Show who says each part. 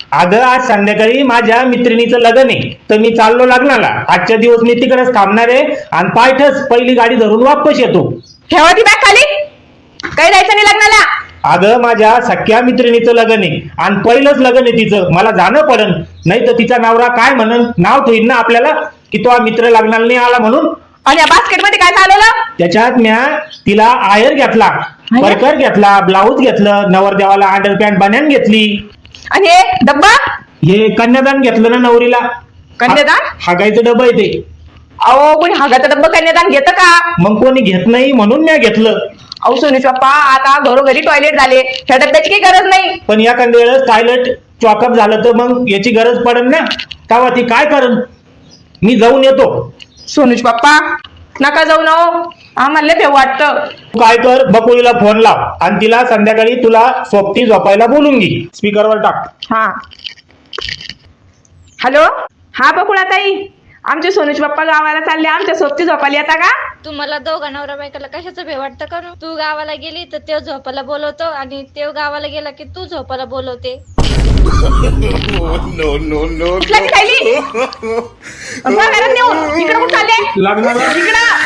Speaker 1: अगं आज संध्याकाळी माझ्या मैत्रिणीचं लग्न आहे, तर मी चाललो लग्नाला. आजच्या दिवस मी तिकडेच थांबणार आहे आणि पायथच पहिली गाडी धरून वापस येतो.
Speaker 2: ठेवा ती बॅग खाली. काही जायचं नाही लग्नाला.
Speaker 1: अगं माझ्या सख्या मैत्रिणीचं लग्न आहे आणि पहिलंच लग्न आहे तिचं, मला जाणं पडन. नाही तर तिचा नवरा काय म्हणन, नाव ठेवीन ना आपल्याला की तो मित्र लग्नाला नाही आला म्हणून.
Speaker 2: आणि या बास्केट मध्ये काय चालवलं?
Speaker 1: त्याच्यात म्या तिला आयर घेतला, परकर घेतला, ब्लाऊज घेतलं, नवरदेवाला अंडरपॅन्ट बन्यान घेतली.
Speaker 2: आणि हे डब्बा?
Speaker 1: हे कन्यादान घेतलं ना नवरीला.
Speaker 2: कन्यादान?
Speaker 1: हागायचं डबं आहे ते.
Speaker 2: अहो कोणी हागाचा डब्बा कन्यादान घेतं का?
Speaker 1: मग कोणी घेत नाही म्हणून मी घेतलं.
Speaker 2: अहो सोनूच पप्पा, आता घरोघरी टॉयलेट झाले, ह्या डब्याची काही गरज नाही.
Speaker 1: पण एखाद्या वेळेस टॉयलेट चॉकअप झालं तर मग याची गरज पडेल ना, तेव्हा ती काय करन. मी जाऊन येतो.
Speaker 2: सोनूच पप्पा नका जाऊ ना हो, आम्हाला लय भेव वाटतं.
Speaker 1: तू काय कर, बकुळीला फोन लाव आणि तिला संध्याकाळी तुला सोबती झोपायला बोलून घे. स्पीकरवर टाक.
Speaker 2: हा हॅलो. हा बकुळा ताई, आमचे सोनूच पप्पा गावाला चालले, आमच्या सोबती झोपायला येता का?
Speaker 3: तुम्हाला दोघा नवरा बायकोला कशाचं भे वाटतं करू? तू गावाला गेली तर ते झोपायला बोलवतो आणि ते गावाला गेला की तू झोपायला बोलवते.
Speaker 2: उचला ती थैली. घरात नेऊन इकडे कुठं चालले?
Speaker 1: लग्नाला
Speaker 2: इकडं